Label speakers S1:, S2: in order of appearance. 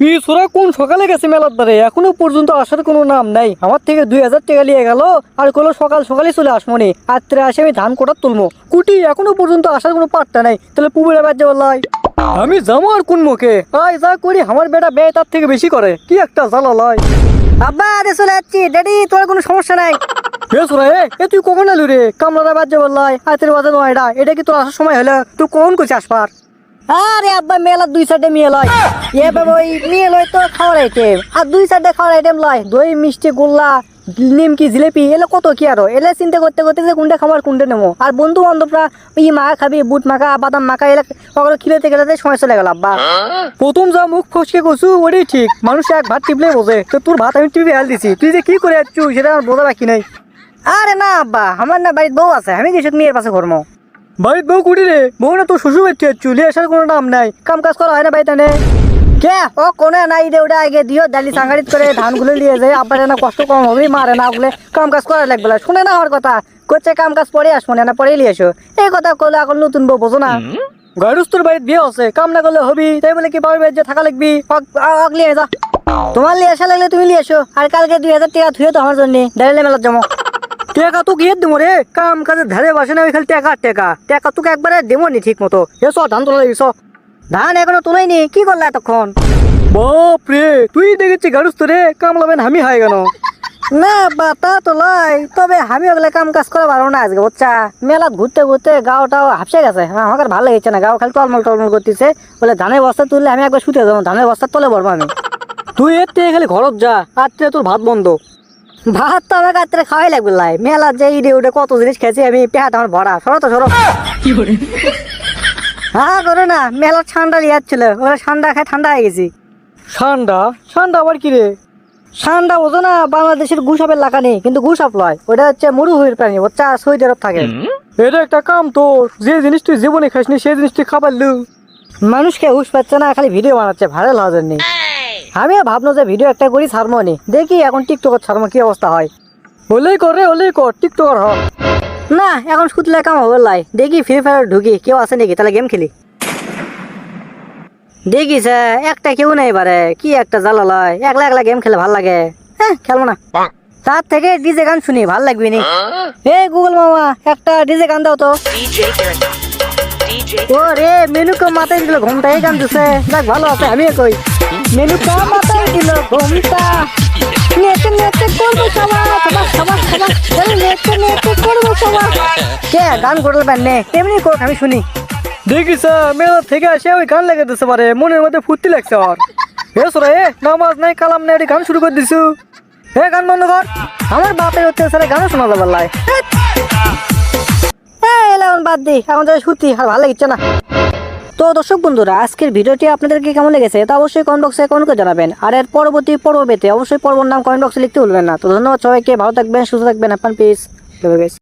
S1: পিছরা কোন সকালে গেছে মেলার দ্বারে এখনো পর্যন্ত আসার কোনো নাম নাই। আমার থেকে 2000 টাকা নিয়ে গেল আর কলো সকাল সকালে চলে আসমনি, রাত্রে আসে আমি ধান কোটার তুলবো। কুটি এখনো পর্যন্ত আসার কোনো পাত্তা নাই। তাহলে পুকুরে বাজে বললাই আমি যাবো আর কোন মুখে? আয় যা করি আমার বেটা ব্যয় তার থেকে বেশি করে, কি একটা জ্বালা লয়।
S2: আব্বা আরে চলে যাচ্ছি ড্যাডি, তোর কোনো সমস্যা নাই।
S1: বেসরা এ তুই কখন এলু রে? কামলারা বাজে বললাই রাতের বাজে নয়টা, এটা কি তোর আসার সময় হলো? তুই কখন করছিস আসবার?
S2: আরে আব্বা মেলা 2 সাইডে মিয়ে লয়, এ বাবা ওই মিয়ে লয় তো খাওয়ার আইটেম, আর 2 সাইডে খাওয়ার আইটেম লয় দই মিষ্টি গোল্লা নিমকি জিলেপি এলে কত কি আরো এলে চিন্তা করতে করতে যে কোনটা খাবার কোনটা নেবো। আর বন্ধু বান্ধবরা ই মাখা খাবি বুট মাখা বাদাম মাখা এলে ওগুলো খিলেতে গেলে সময় চলে গেল আব্বা।
S1: প্রথম যা মুখ ফসকে করছু ওটাই ঠিক, মানুষ এক ভাত টিপলে বোঝে, তো তোর ভাত আমি টিপে হেল দিছি, তুই যে কি করে যাচ্ছু সেটা আমার বোঝা বাকি নাই।
S2: আরে না আব্বা, আমার না বাড়ির বউ আছে, আমি কিছু মেয়ের পাশে ঘরমো।
S1: বাড়ির বউ কুটি রে? বউ না তোর শ্বশুর বাড়িতে যাচ্ছু, লিয়ে আসার কোনো নাম নাই, কাম কাজ করা হয় না বাড়িতে নে।
S2: কে ও কোনে নাই রে, ওটা আগে দিও ডালি সাংগাড়িত করে ধানগুলো নিয়ে যায়, আব্বার না কষ্ট কম হবে, মারে না ওগুলো কাম কাজ করা লাগবে না। শুনে না আমার কথা, করছে কাম কাজ পরে আসবো না পরে নিয়ে এসো, এই কথা করলে এখন নতুন বউ বোঝো না।
S1: গাড়ুস্তর বাড়িতে বিয়ে আছে, কাম না করলে হবি, তাই বলে কি বাবার বাড়িতে থাকা লাগবি?
S2: নিয়ে যা, তোমার নিয়ে আসা লাগলে তুমি নিয়ে এসো, আর কালকে 2000 টাকা থুয়ে তো আমার জন্য ডাইলে মেলার জমা।
S1: টাকা তো গিয়ে দেবো রে, কাম কাজের ধারে বাসে না, ওই খালি টাকা টাকা টাকা তোকে একবারে দেবো নি ঠিক মতো। এসো ধান তোলা এসো।
S2: ধান এখনো তোলাইনি, কি করলে এতক্ষণ?
S1: বাপ রে, তুই দেখেছি গাড়ুস্তরে কাম লাবেন আমি হাই কেন?
S2: না বাতা তো লয়, তবে আমি ওগুলো কাম কাজ করে পারবো না আজকে বুঝছা। মেলা ঘুরতে ঘুরতে গাওটাও হাফসে গেছে, আমার আর ভালো লাগছে না, গাও খালি টলমল টলমল করতেছে। বলে ধানের বস্তা তুললে আমি একবার শুতে যাবো, ধানের বস্তা তলে পড়বো আমি।
S1: তুই এর থেকে খালি ঘরত যা, রাত্রে তোর ভাত বন্ধ।
S2: ভাত তো আমার রাত্রে খাওয়াই লাগবে লাই, মেলা যে ইডে উঠে কত জিনিস খেয়েছি আমি, পেহাট আমার ভরা। সরো তো সরো। হ্যাঁ করো না, মেলা ঠান্ডা লিয়ে যাচ্ছিল, ওরা ঠান্ডা খায় ঠান্ডা হয়ে গেছি।
S1: ঠান্ডা ঠান্ডা আবার কি রে?
S2: ঠান্ডা বোঝো না, বাংলাদেশের গুসাপের লাগা নেই, কিন্তু গুসাপ লয়, ওটা হচ্ছে মরুভূমির প্রাণী, বাচ্চা সৌদি আরব থাকে।
S1: এটা একটা কাম তোর, যে জিনিস তুই জীবনে খাসনি সেই জিনিস তুই খাবার লু।
S2: মানুষকে হুশ পাচ্ছে না, খালি ভিডিও বানাচ্ছে ভাইরাল হওয়ার জন্য। আমিও ভাবলো যে ভিডিও একটা করি ছাড়বো নি, দেখি এখন টিকটক ছাড়বো কি অবস্থা হয়।
S1: হলেই কর রে, হলেই কর, টিকটকার হ।
S2: না এখন শুধলে কাম হবে লাই, দেখি ফ্রি ফায়ার ঢুকি কেউ আছে নাকি, তাহলে গেম খেলি। দেখিস একটা কেউ নেই এবারে, কি একটা জ্বালা লয়, একলা একলা গেম খেলে ভাল লাগে। হ্যাঁ খেলবো না, তার থেকে ডিজে গান শুনি ভাল লাগবে নি। এই গুগল মামা একটা ডিজে গান দাও তো। ও রে মেনুকে মাথায় দিল ঘুমটা, এই গান দিছে, যাক ভালো আছে। আমি কই মেনুকা মাথায় দিল ঘুমটা, নেচে নেচে করবো সবার সবার সবার সবার, নেচে নেচে করবো সবার। কে গান করলে নে এমনি কোক আমি শুনি।
S1: দেখিস মেলা থেকে আসে ওই গান লেগে দিতে পারে, মনের মধ্যে ফুর্তি লাগছে আর। এসরা এ নামাজ নাই কালাম নাই, গান শুরু করে দিছু। হে গান বন্ধ কর।
S2: আমার বাপের হচ্ছে স্যার গানও শোনা যাবে লাই। এলাম বাদ দি, এখন যাই সত্যি আর ভালো লাগছে না। তো দর্শক বন্ধুরা, আজকের ভিডিওটি আপনাদেরকে কেমন লেগেছে তা অবশ্যই কমেন্ট বক্সে কমেন্ট করে জানাবেন। আর এর পরবর্তী পর্ব পেতে অবশ্যই পর্বর নাম কমেন্ট বক্সে লিখতে ভুলবেন না। তো ধন্যবাদ সবাইকে, ভালো থাকবেন, সুস্থ থাকবেন, আপনার পিস।